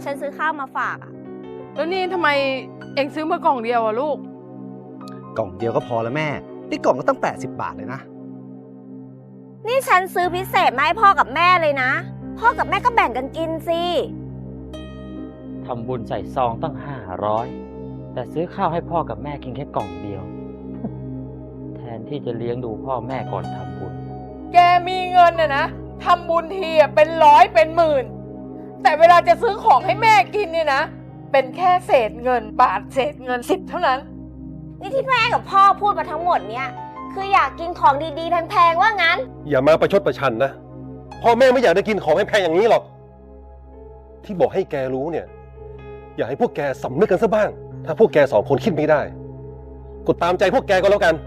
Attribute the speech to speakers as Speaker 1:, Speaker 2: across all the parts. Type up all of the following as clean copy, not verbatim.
Speaker 1: ฉันซื้อข้าวมาฝากอะ
Speaker 2: แล้วนี่ทำไมเอ็งซื้อมากล่องเดียวอะลูก
Speaker 3: กล่องเดียวก็พอแล้วแม่นี่กล่องก็ตั้ง80 บาทเลยนะ
Speaker 1: นี่ฉันซื้อพิเศษมาให้พ่อกับแม่เลยนะพ่อกับแม่ก็แบ่งกันกินสิ
Speaker 4: ทำบุญใส่ซองตั้ง500แต่ซื้อข้าวให้พ่อกับแม่กินแค่กล่องเดียว แทนที่จะเลี้ยงดูพ่อแม่ก่อนทำบุญ
Speaker 2: แกมีเงินนะทำบุญทีเป็นร้อยเป็นหมื่นแต่เวลาจะซื้อของให้แม่กินเนี่ยนะเป็นแค่เศษเงินบาทเศษเงิน10เท่านั้น
Speaker 1: นี่ที่แม่กับพ่อพูดมาทั้งหมดเนี่ยคืออยากกินของดีๆแพงๆว่างั้น
Speaker 5: อย่ามาประชดประชันนะพ่อแม่ไม่อยากได้กินของแพงๆอย่างนี้หรอกที่บอกให้แกรู้เนี่ยอยากให้พวกแกสำนึกกันซะบ้างถ้าพวกแก2 คนคิดไม่ได้กดตามใจพวกแกก็แล้วกัน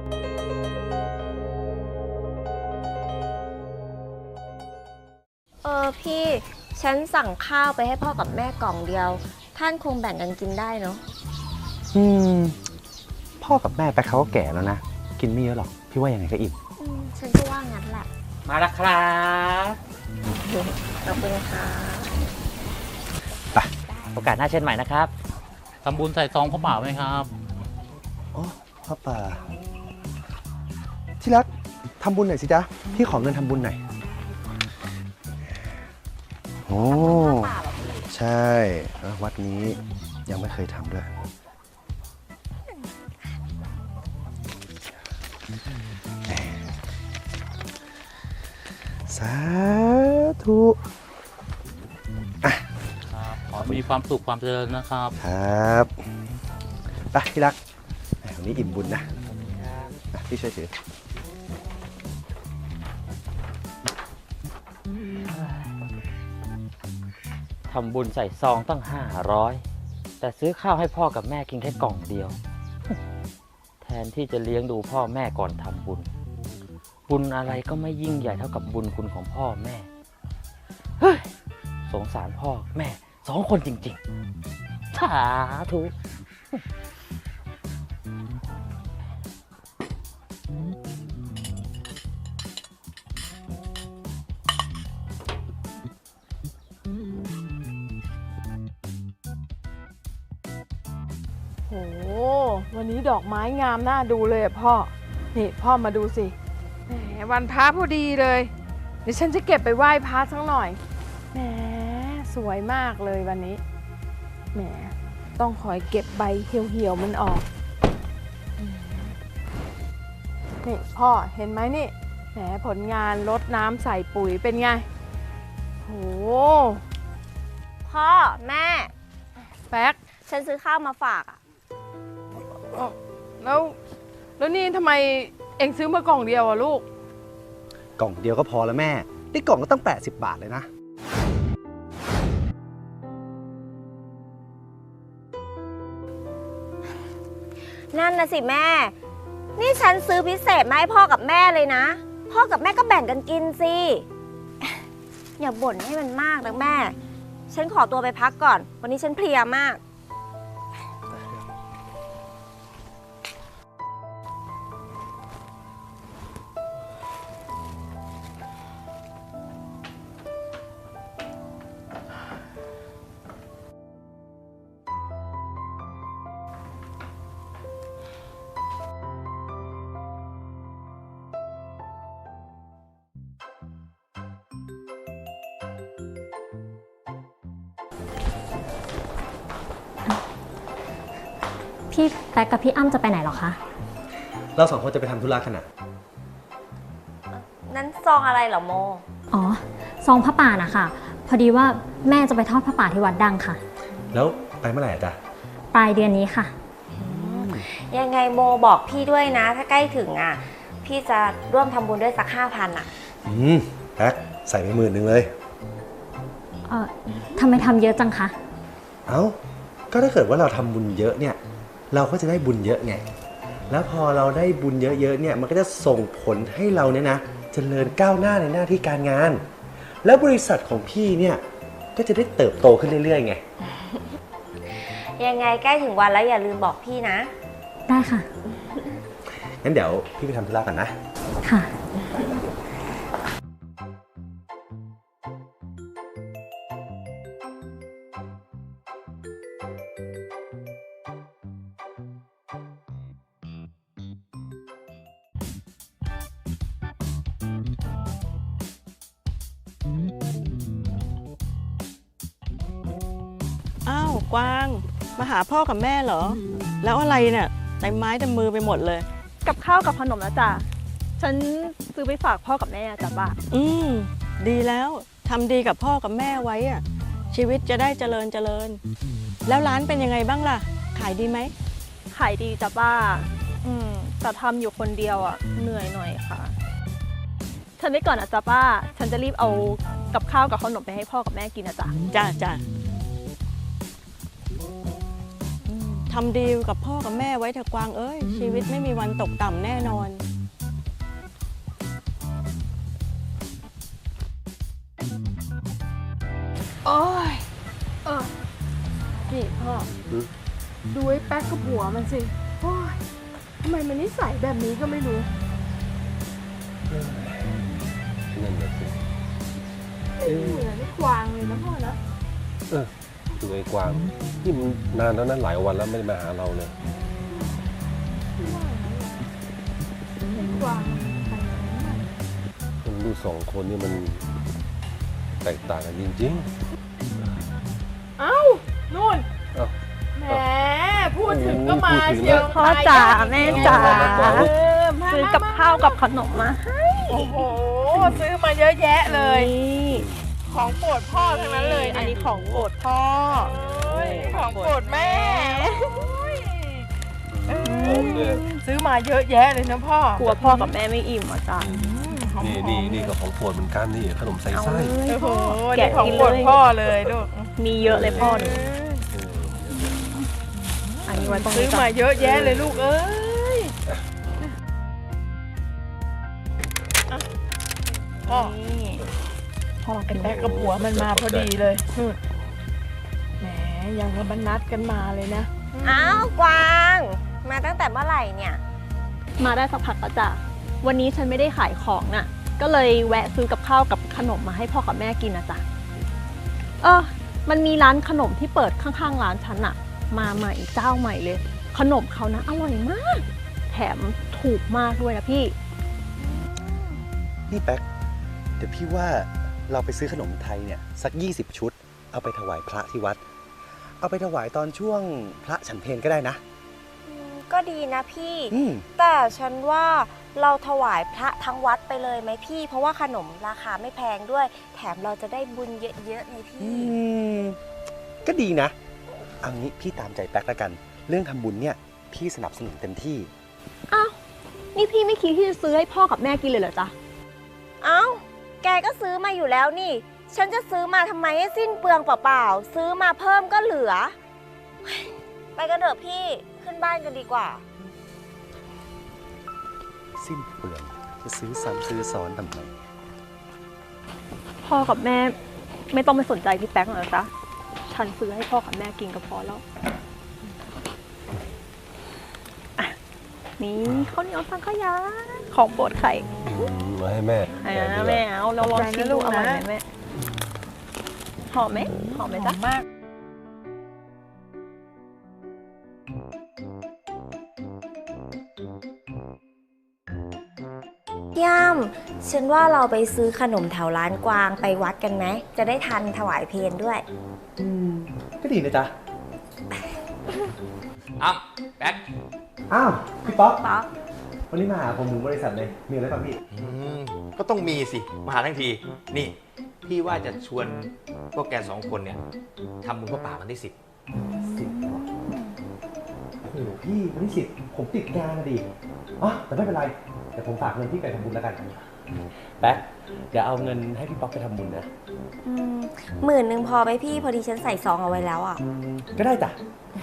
Speaker 1: พี่ฉันสั่งข้าวไปให้พ่อกับแม่กล่องเดียวท่านคงแบ่งกันกินได้เนาะ
Speaker 3: พ่อกับแม่ไปเขาก็แก่แล้วนะกินไม่เยอะหรอกพี่ว่ายังไงก็อิ่ม
Speaker 1: ฉันก็ว่างั้นแหละ
Speaker 4: มาแล้วครับ
Speaker 1: ขอบคุณค่ะ
Speaker 3: ไป
Speaker 4: โอกาสหน้าเช่นใหม่นะครับ
Speaker 6: ทำบุญใส่ซองพระป่าไหมครับ
Speaker 3: อ๋อพ่อป่าที่รักทำบุญหน่อยสิจ๊ะพี่ขอเงินทำบุญหน่อยโอ้ใช่วัดนี้ยังไม่เคยทำด้วยสาธุ
Speaker 6: ขอมีความสุขความเจริญนะครับ
Speaker 3: ครับไปที่รักวันนี้อิ่มบุญนะพี่ช่วยถือ
Speaker 4: ทำบุญใส่ซองตั้ง500แต่ซื้อข้าวให้พ่อกับแม่กินแค่กล่องเดียว แทนที่จะเลี้ยงดูพ่อแม่ก่อนทำบุญบุญอะไรก็ไม่ยิ่งใหญ่เท่ากับบุญคุณของพ่อแม่เฮ้ยสงสารพ่อแม่2 คนจริงๆสาธุ
Speaker 2: โหวันนี้ดอกไม้งามน่าดูเลยอะพ่อนี่พ่อมาดูสิแหมวันพระพอดีเลยเดี๋ยวฉันจะเก็บไปไหว้พระสักหน่อยแหมสวยมากเลยวันนี้แหมต้องคอยเก็บใบเหี่ยวๆมันออกนี่พ่อเห็นไหมนี่แหมผลงานรดน้ำใส่ปุ๋ยเป็นไงโห
Speaker 1: พ่อแม่
Speaker 2: แป๊ก
Speaker 1: ฉันซื้อข้าวมาฝากอะ
Speaker 2: แล้วนี่ทำไมเอ็งซื้อมากล่องเดียวอะลูก
Speaker 3: กล่องเดียวก็พอแล้วแม่นี่กล่องก็ตั้ง80 บาทเลยนะ
Speaker 1: นั่นนะสิแม่นี่ฉันซื้อพิเศษมาให้พ่อกับแม่เลยนะพ่อกับแม่ก็แบ่งกันกินสิอย่าบ่นให้มันมากนะแม่ฉันขอตัวไปพักก่อนวันนี้ฉันเพลียมาก
Speaker 7: พี่แป๊กกับพี่อ้ำจะไปไหนหรอคะ
Speaker 3: เรา2 คนจะไปทำธุระกันนะ
Speaker 1: นั้นซองอะไรเหรอโม
Speaker 7: อ๋อซองพระป่านะคะพอดีว่าแม่จะไปทอดพระป่าที่วัดดังค่ะ
Speaker 3: แล้วไปเมื่อไหร่จ๊ะ
Speaker 7: ปลายเดือนนี้ค่ะ
Speaker 1: ยังไงโมบอกพี่ด้วยนะถ้าใกล้ถึงอ่ะพี่จะร่วมทำบุญด้วยสัก5,000อ่ะ
Speaker 3: แป๊กใส่ไป10,000เลย
Speaker 7: ทำไมทำเยอะจังคะ
Speaker 3: เอ้าก็ถ้าเกิดว่าเราทำบุญเยอะเนี่ยเราก็จะได้บุญเยอะไงแล้วพอเราได้บุญเยอะๆเนี่ยมันก็จะส่งผลให้เราเนี่ยนะเจริญก้าวหน้าในหน้าที่การงานแล้วบริษัทของพี่เนี่ยก็จะได้เติบโตขึ้นเรื่อยๆไง
Speaker 1: ยังไงใกล้ถึงวันแล้วอย่าลืมบอกพี่นะ
Speaker 7: ได้ค่ะ
Speaker 3: งั้นเดี๋ยวพี่ไปทำธุระก่อนนะ
Speaker 7: ค่ะ
Speaker 8: กวางมาหาพ่อกับแม่เหรอ แล้วอะไรเนี่ยเต็มไม้เต็มมือไปหมดเลย
Speaker 9: กับข้าวกับขนมนะจ๊ะ ฉันซื้อไปฝากพ่อกับแม่จ้ะป้า
Speaker 8: ดีแล้วทำดีกับพ่อกับแม่ไว้อะชีวิตจะได้เจริญเจริญ แล้วร้านเป็นยังไงบ้างล่ะ ขายดีไหม
Speaker 9: ขายดีจ้ะป้า แต่ทำอยู่คนเดียวอ่ะเหนื่อยหน่อยค่ะ ฉันไปก่อนนะจ๊ะป้า ฉันจะรีบเอากับข้าวกับขนมไปให้พ่อกับแม่กินนะจ๊ะ
Speaker 8: จ้าทำดีกับพ่อกับแม่ไว้เถอะกวางเอ้ยชีวิตไม่มีวันตกต่ำแน่นอน
Speaker 2: โอ้ยนี่พ่อ ดูไอ้แป๊กกับหัวมันสิ โอ้ยทำไมมันนิสัยแบบนี้ก็ไม่รู้
Speaker 5: นั่นแหละสิ
Speaker 2: เหมือนไอ้กวางเลยนะพ่อนะ
Speaker 5: ดูไอ้กวางนี่มันนานแล้วนะหลายวันแล้วไม่ได้มาหาเราเลย
Speaker 2: ไอ้กวางมันไปไหน
Speaker 5: มันดูสองคนนี่มันแตกต่างกันจริง
Speaker 2: เอ้านู่น
Speaker 5: เอ้า
Speaker 2: แหมพูดถึงก็มา
Speaker 5: พูดถึง
Speaker 2: เชียว
Speaker 9: พ่อจ๋าแม่จ๋า
Speaker 2: มา
Speaker 9: ซื้อกับข้าวกับขนมมาให้
Speaker 2: โอ้โห ซื้อมาเยอะแยะเลย
Speaker 9: นี่
Speaker 2: ของโปรดพ่อทั้งนั้นเลย
Speaker 9: อันนี้ของโปรดพ่อ
Speaker 2: โอ้ยของโปรดแม่โอ้ย
Speaker 5: ๆผมเนี่ย
Speaker 2: ซื้อมาเยอะแยะเลยนะพ่อก
Speaker 9: ลัวพ่อกับแม่ไม่อิ่มอ่ะจ้ะ
Speaker 5: นี่ก็ของโปรดเหมือนกันนี่ขนมใส่ไส้
Speaker 2: โอ้โห
Speaker 9: แกะ
Speaker 2: นี่ของ
Speaker 9: กิน
Speaker 2: โปรด
Speaker 9: เลย
Speaker 2: พ่อเลยลูก
Speaker 9: มีเยอะเลยพ่อหนูอันนี้ไว้ตรง
Speaker 2: ซื้
Speaker 9: นี้
Speaker 2: อ
Speaker 9: ก่อ
Speaker 2: มาน เยอะแยะเลยลูกเอ้ยอ่ะพ่อ
Speaker 9: นี่พ่อกิน
Speaker 2: แป๊กกับหัวมันมาพอดีเลยแหมยังกับมันนัดกันมาเลยนะ
Speaker 1: อ้าวกวาง มาตั้งแต่เมื่อไหร่เนี่ย
Speaker 9: มาได้สักพักแล้วจ้ะวันนี้ฉันไม่ได้ขายของน่ะ ก็เลยแวะซื้อกับข้าวกับขนมมาให้พ่อกับแม่กินนะจ๊ะมันมีร้านขนมที่เปิดข้างๆร้านฉันอะมาใหม่เจ้าใหม่เลย ขนมเขานะอร่อยมาก แถมถูกมากด้วยนะพี่
Speaker 3: นี่แป๊ก เดี๋ยวพี่ว่าเราไปซื้อขนมไทยเนี่ยสัก 20 ชุด เอาไปถวายพระที่วัด เอาไปถวายตอนช่วงพระฉันเพลก็ได้นะ
Speaker 1: ก็ดีนะพี่
Speaker 3: อืม
Speaker 1: แต่ฉันว่าเราถวายพระทั้งวัดไปเลยไหมพี่ เพราะว่าขนมราคาไม่แพงด้วย แถมเราจะได้บุญเยอะๆไงพี่
Speaker 3: ก็ดีนะ เอางี้พี่ตามใจแป๊กแล้วกัน เรื่องทำบุญเนี่ยพี่สนับสนุนเต็มที่
Speaker 9: อ้าว นี่พี่ไม่คิดที่จะซื้อให้พ่อกับแม่กินเลยเหรอจ๊ะ
Speaker 1: เอ้า แกก็ซื้อมาอยู่แล้วนี่ ฉันจะซื้อมาทำไมให้สิ้นเปลืองเปล่าๆ ซื้อมาเพิ่มก็เหลือ ไปกันเถอะพี่ ขึ้นบ้านกันดีกว่า
Speaker 3: สิ้นเปลืองจะซื้อซ้ำซื้อซ้อนทำไม
Speaker 9: พ่อกับแม่ไม่ต้องไปสนใจพี่แป๊กหรอกจ๊ะ ฉันซื้อให้พ่อกับแม่กินก็พอแล้วอ่ะนี่ข้าวเหนียวสังขยาของโปรดไข่
Speaker 5: มาให้แม่
Speaker 9: แม่เอาเราลองชิมดูอร่อยไหมแม่หอมไหมหอมไหมจ๊ะ
Speaker 2: มาก
Speaker 1: ย่ำฉันว่าเราไปซื้อขนมแถวร้านกวางไปวัดกันไหม จะได้ทันถวายเพลงด้วย
Speaker 3: ก็ดีนะจ๊ะ
Speaker 10: อ้ำแป๊ก
Speaker 3: อ้าว พี่ป๊อก
Speaker 1: ป๊อก
Speaker 3: วันนี้มาหาผมถึงบริษัทเลย มีอะไรป่ะพี่
Speaker 10: ก็ต้องมีสิ มาหาทั้งที นี่ พี่ว่าจะชวนพวกแกสองคนเนี่ยทำบุญพระป่าวันที่ 10
Speaker 3: 10ว่ะโอ้โหพี่วันที่10ผมติดงานนะดิอ๋อแต่ไม่เป็นไร เดี๋ยวผมฝากเงินพี่ไปทำบุญแล้วกัน แป๊ก เดี๋ยวเอาเงินให้พี่ป๊อกไปทำบุญนะ
Speaker 1: 10,000พอไหมพี่ พอดีฉันใส่ซองเอาไว้แล้วอ่ะ
Speaker 3: ก็ได้จ้ะ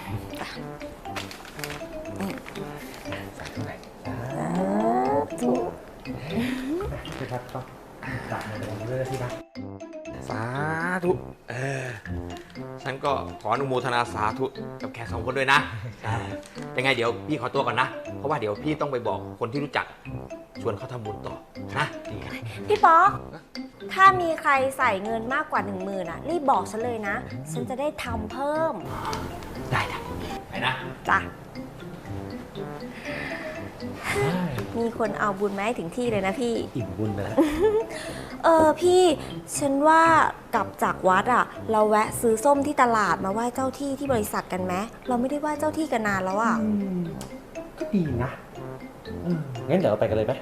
Speaker 3: พี่ป๊อกก็ฝากเงินไปทำบุญด้วยนะพี่นะ
Speaker 10: สาธุ ฉันก็ขออนุโมทนาสาธุกับแขกสองคนด้วยนะยังไงเดี๋ยวพี่ขอตัวก่อนนะ เพราะว่าเดี๋ยวพี่ต้องไปบอกคนที่รู้จัก ชวนเขาทำบุญต่อนะดีกัน
Speaker 1: พี่ป๊อก ถ้ามีใครใส่เงินมากกว่า 10,000อ่ะ รีบบอกฉันเลยนะ ฉันจะได้ทำเพิ่ม
Speaker 10: ได้ไปนะ
Speaker 1: จ้ะมีคนเอาบุญมาให้ถึงที่เลยนะพี่
Speaker 3: อิ่มบุญไปแล้ว
Speaker 1: พี่ ฉันว่ากลับจากวัดอะเราแวะซื้อส้มที่ตลาดมาไหว้เจ้าที่ที่บริษัทกันไหมเราไม่ได้ไหว้เจ้าที่กันนานแล้วอะ
Speaker 3: ก็ดีนะงั้นเดี๋ยวเราไปกันเลยไหม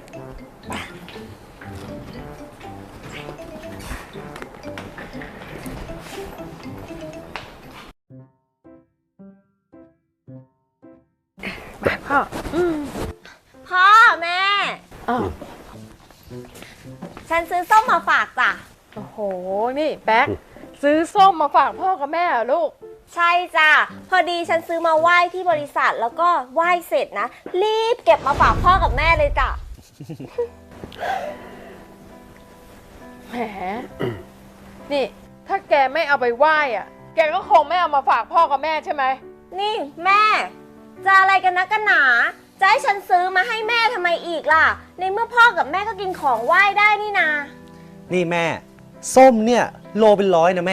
Speaker 2: พ่อ
Speaker 1: พ่อแม่
Speaker 2: อ้าว
Speaker 1: ฉันซื้อส้มมาฝากจ้ะ
Speaker 2: โอ้โห นี่แป๊กซื้อส้มมาฝากพ่อกับแม่เหรอลูก
Speaker 1: ใช่จ้ะ พอดีฉันซื้อมาไหว้ที่บริษัทแล้วก็ไหว้เสร็จนะ รีบเก็บมาฝากพ่อกับแม่เลยจ้ะ
Speaker 2: แหม นี่ ถ้าแกไม่เอาไปไหว้อะแกก็คงไม่เอามาฝากพ่อกับแม่ใช่ไหม
Speaker 1: นี่แม่ จะอะไรกันนะกันหนา จะให้ฉันซื้อมาให้แม่ทำไมอีกล่ะ ในเมื่อพ่อกับแม่ก็กินของไหว้ได้นี่นา
Speaker 3: นี่แม่ ส้มเนี่ยโลเป็น100นะแม่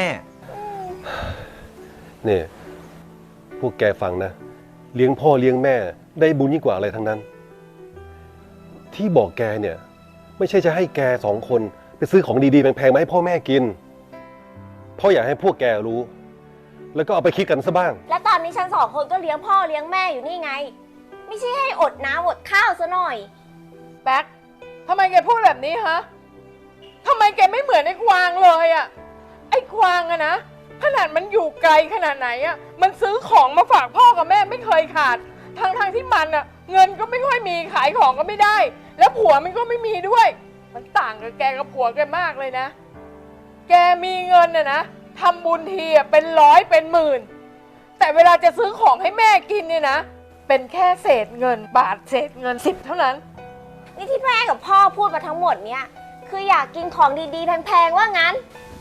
Speaker 5: นี่พวกแกฟังนะ เลี้ยงพ่อเลี้ยงแม่ได้บุญยิ่งกว่าอะไรทั้งนั้น ที่บอกแกเนี่ย ไม่ใช่จะให้แก2 คนไปซื้อของดีๆแพงๆมาให้พ่อแม่กินพ่ออยากให้พวกแกรู้ แล้วก็เอาไปคิดกันซะบ้าง
Speaker 1: และตอนนี้ฉัน2 คนก็เลี้ยงพ่อเลี้ยงแม่อยู่นี่ไง ไม่ใช่ให้อดน้ำอดข้าวซะหน่อย
Speaker 2: แป๊กทำไมแกพูดแบบนี้ฮะทำไมแกไม่เหมือนไอ้กวางเลยอะไอ้กวางอะนะ ขนาดมันอยู่ไกลขนาดไหนอะมันซื้อของมาฝากพ่อกับแม่ไม่เคยขาด ทั้งที่มันอะเงินก็ไม่ค่อยมีขายของก็ไม่ได้ แล้วผัวมันก็ไม่มีด้วย มันต่างกับแกกับผัวแกมากเลยนะ แกมีเงินอะนะทำบุญทีอะเป็น100เป็น10,000แต่เวลาจะซื้อของให้แม่กินเนี่ยนะ เป็นแค่เศษเงินบาทเศษเงิน10เท่านั้น
Speaker 1: นี่ที่แม่กับพ่อพูดมาทั้งหมดเนี่ยคืออยากกินของดีๆแพงๆว่างั้น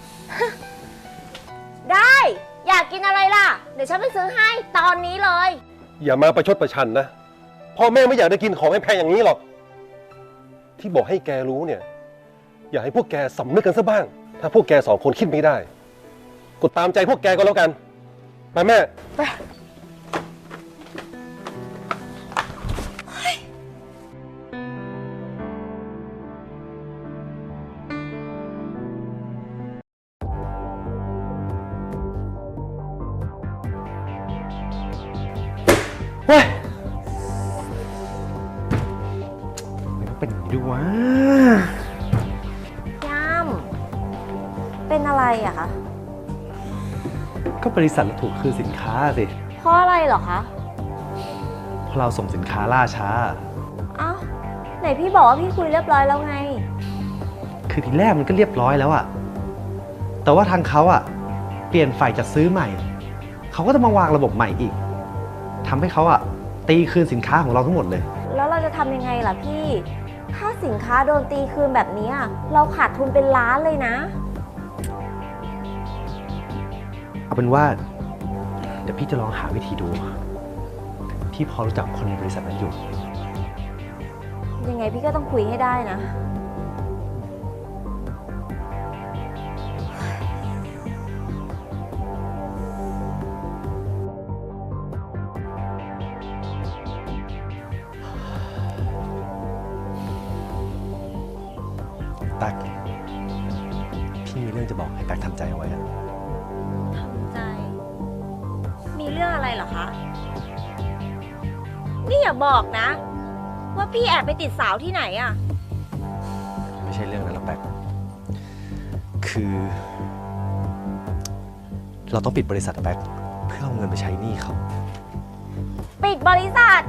Speaker 1: ได้ อยากกินอะไรล่ะ เดี๋ยวฉันไปซื้อให้ตอนนี้เลย
Speaker 5: อย่ามาประชดประชันนะพ่อแม่ไม่อยากได้กินของแพงๆอย่างนี้หรอก ที่บอกให้แกรู้เนี่ย อยากให้พวกแกสำนึกกันซะบ้าง ถ้าพวกแก2 คนคิดไม่ได้กดตามใจพวกแกก็แล้วกันไปแม่
Speaker 3: เฮ้ยมันเป็นอย่างนี้ด้วยวะ
Speaker 1: ย่ำเป็นอะไรอะคะ
Speaker 3: ก็บริษัทเราถูกคืนสินค้าสิ
Speaker 1: เพราะอะไรเหรอคะ
Speaker 3: เพราะเราส่งสินค้าล่าช้า
Speaker 1: เอ้า ไหนพี่บอกว่าพี่คุยเรียบร้อยแล้วไง
Speaker 3: คือทีแรกมันก็เรียบร้อยแล้วอะแต่ว่าทางเขาอะเปลี่ยนฝ่ายจัดซื้อใหม่ เขาก็จะมาวางระบบใหม่อีก ทำให้เขาอะตีคืนสินค้าของเราทั้งหมดเลย
Speaker 1: แล้วเราจะทำยังไงล่ะพี่ ถ้าสินค้าโดนตีคืนแบบนี้เราขาดทุนเป็นล้านเลยนะ
Speaker 3: เอาเป็นว่า เดี๋ยวพี่จะลองหาวิธีดู พี่พอรู้จักคนในบริษัทนั้นอยู่
Speaker 1: ยังไงพี่ก็ต้องคุยให้ได้นะ
Speaker 3: ตั๊กพี่มีเรื่องจะบอกให้ตั๊กทำใจเอาไว้อะ
Speaker 1: ทำใจ มีเรื่องอะไรเหรอคะ นี่อย่าบอกนะ ว่าพี่แอบไปติดสาวที่ไหนอะ
Speaker 3: ไม่ใช่เรื่องนั้นหรอกแป๊กคือ เราต้องปิดบริษัทอะแป๊กเพื่อเอาเงินไปใช้หนี้เขา
Speaker 1: ปิดบริษัท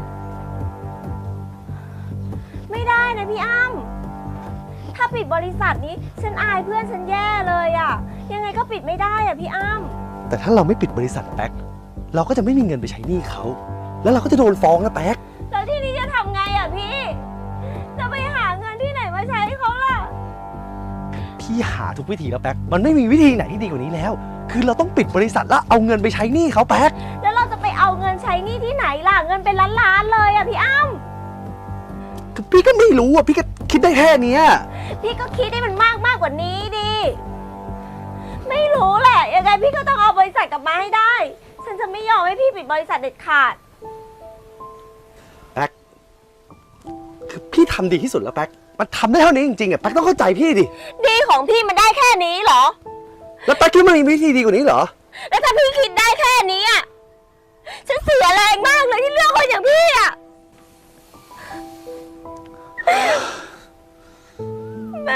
Speaker 1: ไม่ได้นะพี่อ้ำถ้าปิดบริษัทนี้ฉันอายเพื่อนฉันแย่เลยอะยังไงก็ปิดไม่ได้อะพี่อ้ำ
Speaker 3: แต่ถ้าเราไม่ปิดบริษัทแป๊กเราก็จะไม่มีเงินไปใช้หนี้เขา แล้วเราก็จะโดนฟ้องนะแป๊ก
Speaker 1: แล้วที่นี้จะทำไงอะพี่ จะไปหาเงินที่ไหนมาใช้เขาล่ะ
Speaker 3: พี่หาทุกวิธีแล้วแป๊กมันไม่มีวิธีไหนที่ดีกว่านี้แล้ว คือเราต้องปิดบริษัทแล้วเอาเงินไปใช้หนี้เขาแป๊ก
Speaker 1: แล้วเราจะไปเอาเงินใช้หนี้ที่ไหนล่ะ เงินเป็นล้านๆเลยอะพี่อ้ำ
Speaker 3: พี่ก็ไม่รู้อ่ะพี่ก็คิดได้แค่เนี้ย
Speaker 1: พี่ก็คิดให้มันมากกว่านี้ดิ ไม่รู้แหละ ยังไงพี่ก็ต้องเอาบริษัทกลับมาให้ได้ ฉันจะไม่ยอมให้พี่ปิดบริษัทเด็ดขาด
Speaker 3: แป๊กำดีที่สุดแล้วแป๊กมันทำได้เท่านี้จริงๆอ่ะแป๊กต้องเข้าใจพี่ดิ
Speaker 1: ดีของพี่มันได้แค่นี้เหรอ
Speaker 3: แล้วแป๊กคิดว่ามันมีวิธีดีกว่านี้เหรอ
Speaker 1: แล้วถ้าพี่คิดได้แค่นี้อ่ะ ฉันเสียแรงมากเลยที่เลือกคนอย่างพี่อ่ะ แม่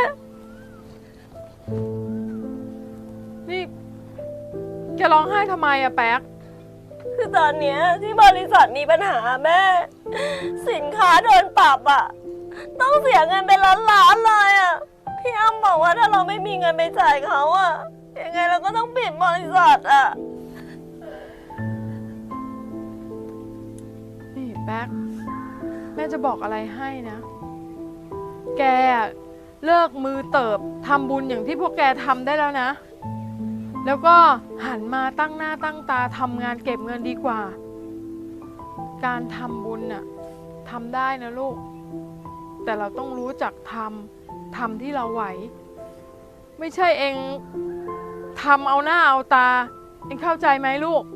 Speaker 2: นี่แกร้องไห้ทำไมอะแป๊ก
Speaker 1: คือตอนเนี้ยที่บริษัทมีปัญหาแม่ สินค้าโดนปรับอ่ะ ต้องเสียเงินเป็นล้านๆเลยอ่ะ พี่อ้ำบอกว่าถ้าเราไม่มีเงินไปจ่ายเขาอ่ะ ยังไงเราก็ต้องปิดบริษัทอ่ะ
Speaker 2: นี่แป๊กแม่จะบอกอะไรให้นะ แกอะเลิกมือเติบทำบุญอย่างที่พวกแกทำได้แล้วนะ แล้วก็หันมาตั้งหน้าตั้งตาทำงานเก็บเงินดีกว่า การทำบุญน่ะทำได้นะลูก แต่เราต้องรู้จักทำที่เราไหว ไม่ใช่เองทำเอาหน้าเอาตา เองเข้าใจไหมลูก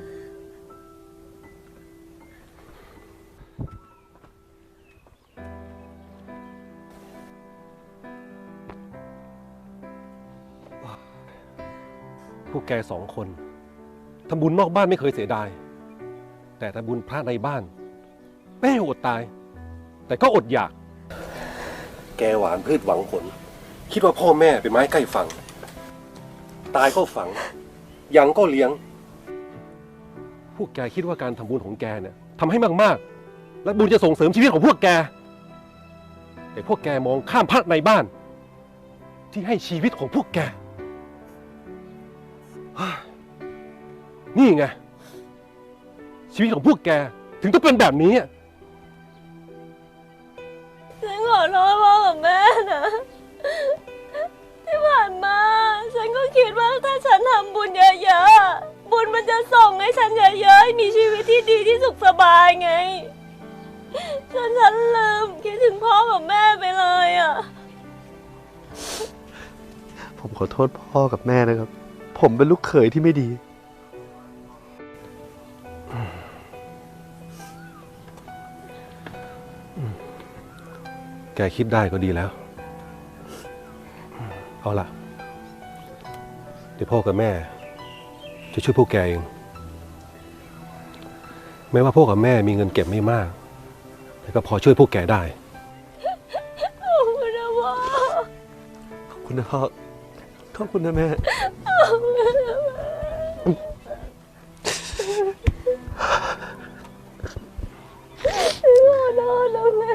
Speaker 5: พวกแกสองคนทำบุญนอกบ้านไม่เคยเสียดาย แต่ทำบุญพระในบ้านไม่ให้อดตาย แต่ก็อดอยาก แกหวานพืชหวังผล คิดว่าพ่อแม่เป็นไม้ใกล้ฝั่ง ตายก็ฝัง ยังก็เลี้ยง พวกแกคิดว่าการทำบุญของแกเนี่ยทำให้มากๆ และบุญจะส่งเสริมชีวิตของพวกแก แต่พวกแกมองข้ามพระในบ้าน ที่ให้ชีวิตของพวกแก นี่ไง ชีวิตของพวกแกถึงต้องเป็นแบบนี้
Speaker 1: ฉันขอโทษพ่อกับแม่นะ ที่ผ่านมา ฉันก็คิดว่าถ้าฉันทำบุญเยอะๆ บุญมันจะส่งให้ฉันเยอะๆให้มีชีวิตที่ดีที่สุขสบายไงฉันลืมคิดถึงพ่อกับแม่ไปเลยอ่ะ
Speaker 3: ผมขอโทษพ่อกับแม่นะครับ ผมเป็นลูกเขยที่ไม่ดี
Speaker 5: แกคิดได้ก็ดีแล้ว เอาล่ะ เดี๋ยวพ่อกับแม่ จะช่วยพวกแกเอง แม้ว่าพ่อกับแม่มีเงินเก็บไม่มาก แต่ก็พอช่วยพวกแกได้
Speaker 1: ขอบคุณนะพ่อ
Speaker 3: ขอบคุณนะพ่อ ขอบคุณนะแม่
Speaker 1: ขอโทษนะแม่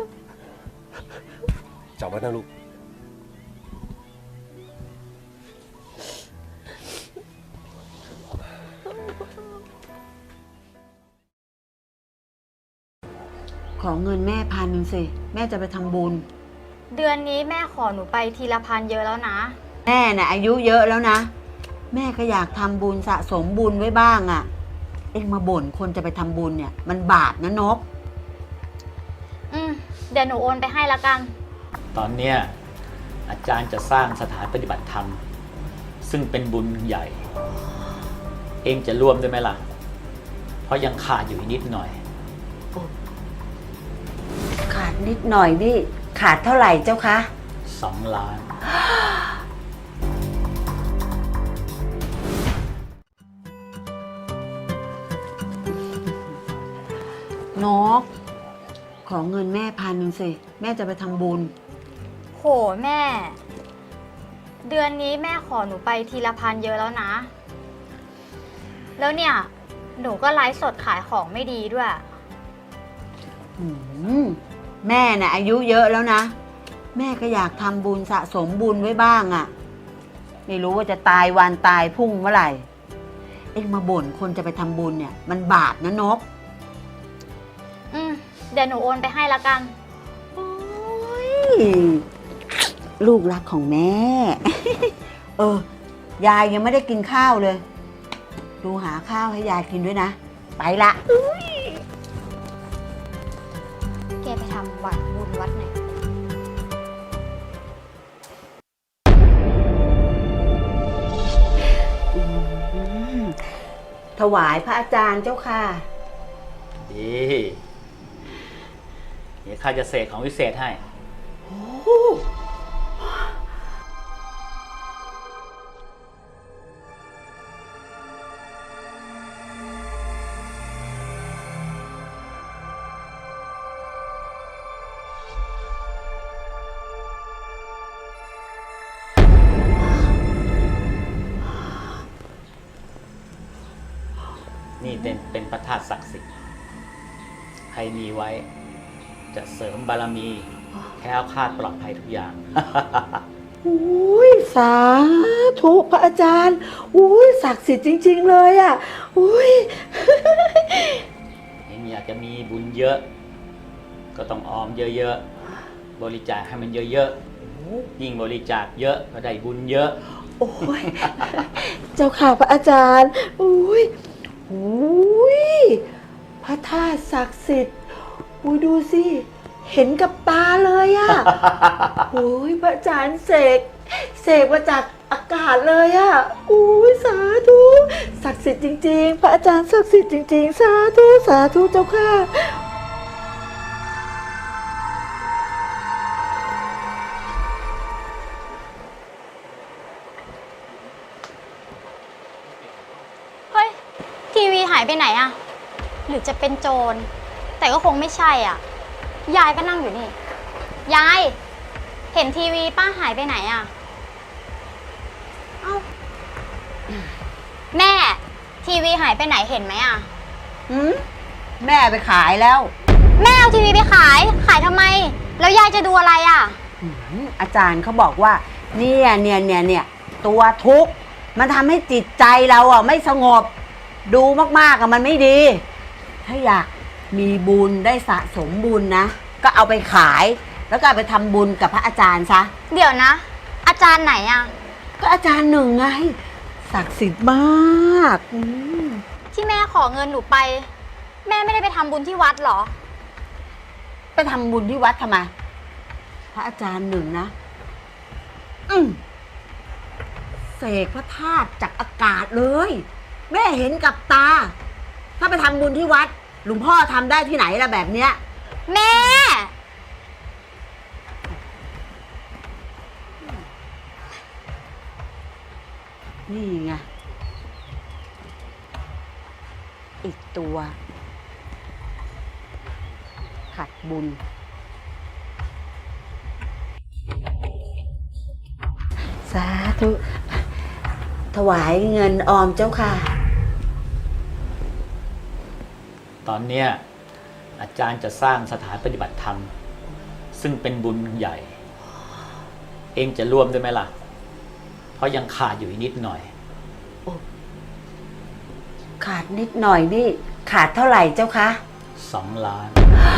Speaker 5: จำไว้นะลูก
Speaker 11: ขอเงินแม่1,000สิแม่จะไปทำบุญ
Speaker 7: เดือนนี้แม่ขอหนูไปทีละ1,000เยอะแล้วนะ
Speaker 11: แม่น่ะอายุเยอะแล้วนะ แม่ก็อยากทำบุญสะสมบุญไว้บ้างอะ่ะ เอ็งมาบ่นคนจะไปทำบุญเนี่ย มันบาปนะนก
Speaker 7: เดี๋ยวหนูโอนไปให้ละกัน
Speaker 12: ตอนเนี้ยอาจารย์จะสร้างสถานปฏิบัติธรรม ซึ่งเป็นบุญใหญ่ เองจะร่วมด้วยไหมล่ะ เพราะยังขาดอยู่อีกนิดหน่อย
Speaker 11: ขาดนิดหน่อยนี่ ขาดเท่าไหร่เจ้าคะ
Speaker 12: 2 ล้าน
Speaker 11: นก ขอเงินแม่1,000สิแม่จะไปทำบุญ
Speaker 7: โหแม่ เดือนนี้แม่ขอหนูไปทีละ1,000เยอะแล้วนะ แล้วเนี่ย หนูก็ไลฟ์สดขายของไม่ดีด้วย
Speaker 11: แม่น่ะอายุเยอะแล้วนะ แม่ก็อยากทำบุญสะสมบุญไว้บ้างอะ่ะ ไม่รู้ว่าจะตายวันตายพรุ่งเมื่อไหร่ เอ็งมาบ่นคนจะไปทำบุญเนี่ย มันบาปนะนก
Speaker 7: เดี๋ยวหนูโอนไปให้ละกัน
Speaker 11: โอ้ยลูกรักของแม่ ยายยังไม่ได้กินข้าวเลย ดูหาข้าวให้ยายกินด้วยนะ ไปละ
Speaker 7: แกไปทำวัดบุญวัดไหน
Speaker 11: ถวายพระอาจารย์เจ้าค่ะ
Speaker 12: ดีเดี๋ยวข้าจะเสกของวิเศษให้
Speaker 11: โอ้
Speaker 12: นี่เป็นพระธาตุศักดิ์สิทธิ์ใครมีไว้ จะเสริมบารมีแคล้วคลาดปลอดภัยทุกอย่าง
Speaker 11: อุ้ยสาธุพระอาจารย์อุ้ยศักดิ์สิทธิ์จริง ๆ เลยอ่ะอุ้ย
Speaker 12: เองอยากจะมีบุญเยอะ ก็ต้องออมเยอะๆ บริจาคให้มันเยอะๆ ยิ่งบริจาคเยอะก็ได้บุญเยอะ
Speaker 11: โอ้ยเจ้าค่ะพระอาจารย์อุ้ยอุ้ยพระธาตุศักดิ์สิทธิ์อุ้ยดูสิเห็นกับตาเลยอ่ะ โอ้ยพระอาจารย์เสกมาจากอากาศเลยอ่ะอุ้ยสาธุศักดิ์สิทธิ์จริงๆพระอาจารย์ศักดิ์สิทธิ์จริงๆสาธุสาธุเจ้าค่ะ
Speaker 7: เฮ้ย ทีวีหายไปไหนอะหรือจะเป็นโจร แต่ก็คงไม่ใช่อ่ะ ยายก็นั่งอยู่นี่ ยาย เห็นทีวีป้าหายไปไหนอะเอ้า แม่ ทีวีหายไปไหนเห็นไหมอะ
Speaker 11: แม่ไปขายแล้ว
Speaker 7: แม่เอาทีวีไปขาย ขายทำไม แล้วยายจะดูอะไรอะ
Speaker 11: อาจารย์เขาบอกว่าเนี่ยตัวทุกข์มันทำให้จิตใจเราอ่ะไม่สงบ ดูมากๆอ่ะมันไม่ดี ถ้าอยากมีบุญได้สะสมบุญนะ ก็เอาไปขาย แล้วก็เอาไปทำบุญกับพระอาจารย์ซะ
Speaker 7: เดี๋ยวนะ อาจารย์ไหนอะ
Speaker 11: ก็อาจารย์หนึ่งไงศักดิ์สิทธิ์มาก
Speaker 7: ที่แม่ขอเงินหนูไป แม่ไม่ได้ไปทำบุญที่วัดเหรอ
Speaker 11: ไปทำบุญที่วัดทำไมพระอาจารย์หนึ่งนะเสกพระธาตุจากอากาศเลย แม่เห็นกับตา ถ้าไปทำบุญที่วัดหลวงพ่อทำได้ที่ไหนล่ะแบบเนี้ย
Speaker 7: แม่
Speaker 11: นี่ไงอีกตัวขัดบุญสาธุถวายเงินออมเจ้าค่ะ
Speaker 12: ตอนเนี้ยอาจารย์จะสร้างสถานปฏิบัติธรรม ซึ่งเป็นบุญใหญ่ เองจะร่วมด้วยไหมล่ะ เพราะยังขาดอยู่อีกนิดหน่อย
Speaker 11: ขาดนิดหน่อยนี่ขาดเท่าไหร่เจ้าคะ
Speaker 12: 2 ล้าน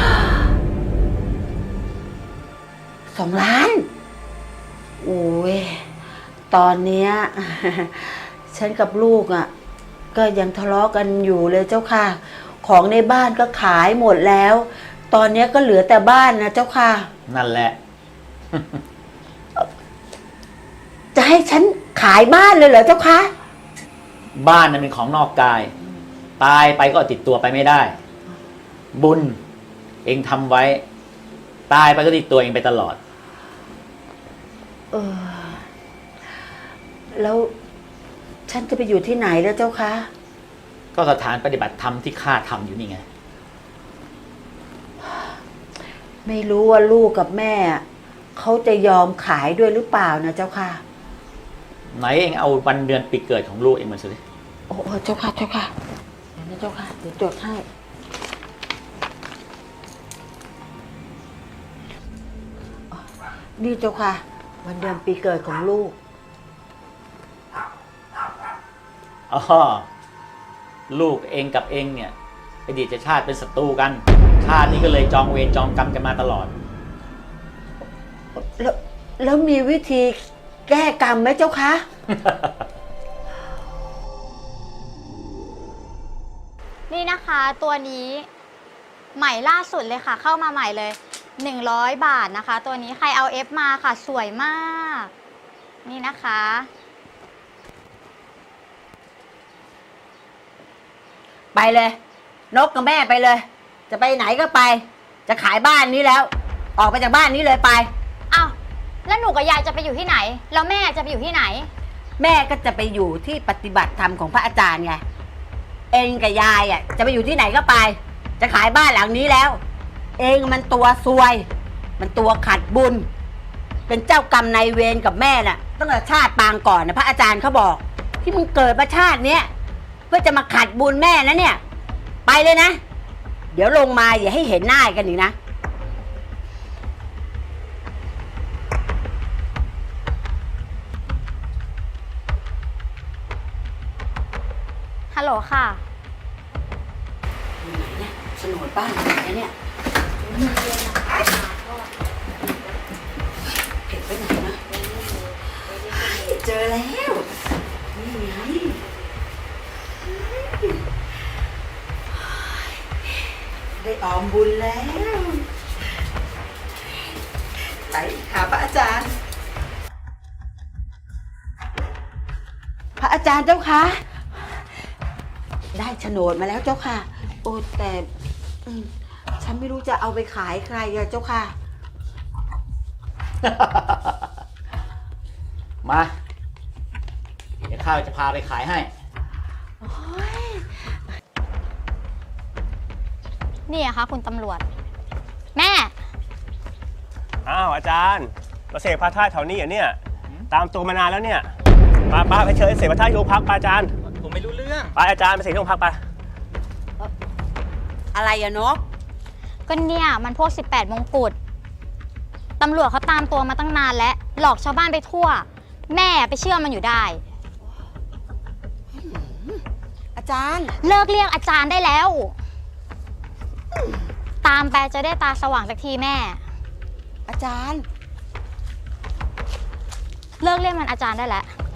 Speaker 11: 2 ล้าน โอ้ยตอนเนี้ย ฉันกับลูกอ่ะ ก็ยังทะเลาะกันอยู่เลยเจ้าค่ะ ของในบ้านก็ขายหมดแล้ว ตอนนี้ก็เหลือแต่บ้านนะเจ้าค่ะ
Speaker 12: นั่นแหละ
Speaker 11: จะให้ฉันขายบ้านเลยเหรอเจ้าคะ
Speaker 12: บ้านนั้นเป็นของนอกกาย ตายไปก็ติดตัวไปไม่ได้ บุญเองทำไว้ ตายไปก็ติดตัวเองไปตลอด
Speaker 11: แล้วฉันจะไปอยู่ที่ไหนแล้วเจ้าคะ
Speaker 12: ก็สถานปฏิบัติธรรมที่ข้าทำอยู่นี่ไง
Speaker 11: ไม่รู้ว่าลูกกับแม่เขาจะยอมขายด้วยหรือเปล่านะเจ้าค่ะ
Speaker 12: ไหนเองเอาวันเดือนปีเกิดของลูกเองมาสิ
Speaker 11: โอ้เจ้าค่ะเจ้าค่ะเดี๋ยวนะเจ้าค่ะเดี๋ยวจดให้นี่เจ้าค่ะ วันเดือนปีเกิดของลูก
Speaker 12: อ๋อลูกเองกับเองเนี่ยอดีตชาติเป็นศัตรูกัน ชาตินี้ก็เลยจองเวรจองกรรมกันมาตลอด
Speaker 11: แล้วมีวิธีแก้กรรมไหมเจ้าคะ
Speaker 7: นี่นะคะตัวนี้ใหม่ล่าสุดเลยค่ะ เข้ามาใหม่เลย100 บาทนะคะ ตัวนี้ใครเอาเอฟมาค่ะสวยมาก นี่นะคะ
Speaker 11: ไปเลย นกกับแม่ไปเลย จะไปไหนก็ไปจะขายบ้านนี้แล้ว ออกไปจากบ้านนี้เลยไป
Speaker 7: อ้าวแล้วหนูกับยายจะไปอยู่ที่ไหน แล้วแม่จะไปอยู่ที่ไหน
Speaker 11: แม่ก็จะไปอยู่ที่ปฏิบัติธรรมของพระอาจารย์ไง เองกับยายอ่ะจะไปอยู่ที่ไหนก็ไป จะขายบ้านหลังนี้แล้ว เองมันตัวซวย มันตัวขัดบุญ เป็นเจ้ากรรมนายเวรกับแม่น่ะตั้งแต่ชาติปางก่อนนะพระอาจารย์เขาบอก ที่มึงเกิดมาชาติเนี้ยเพื่อจะมาขัดบุญแม่นะเนี่ย ไปเลยนะ เดี๋ยวลงมาอย่าให้เห็นหน้ากันอีกนะ
Speaker 7: ฮัลโหลค่ะ
Speaker 11: อยู่ไหนเนี่ยโฉนดบ้านอยู่ไหนเนี่ยเก็บไว้ไหนนะเจอแล้ว นี่ไงได้ออมบุญแล้ว ไปหาพระอาจารย์ พระอาจารย์เจ้าคะ ได้โฉนดมาแล้วเจ้าค่ะ โอ้แต่ฉันไม่รู้จะเอาไปขายใครอะเจ้าค่ะ
Speaker 12: มา เดี๋ยวข้าจะพาไปขายให้
Speaker 7: นี่อะคะคุณตำรวจ แม่
Speaker 13: อ้าวอาจารย์มาเสกพระธาตุแถวนี้เหรอเนี่ย ตามตัวมานานแล้วเนี่ยป้าไปเชิญเสกพระธาตุที่โรงพักป้าอาจารย์
Speaker 6: ผมไม่รู้เรื่อง
Speaker 13: ไปอาจารย์ไปเสกที่โรงพักไป
Speaker 11: อะไรอะนก
Speaker 7: ก็เนี่ยมันพวก 18 มงกุฎตำรวจเขาตามตัวมาตั้งนานแล้ว หลอกชาวบ้านไปทั่ว แม่ไปเชื่อมันอยู่ได้
Speaker 11: อาจารย์
Speaker 7: เลิกเรียกอาจารย์ได้แล้ว ตามไปจะได้ตาสว่างสักทีแม่
Speaker 11: อาจารย์
Speaker 7: เลิกเรียกมันอาจารย์ได้แล้ว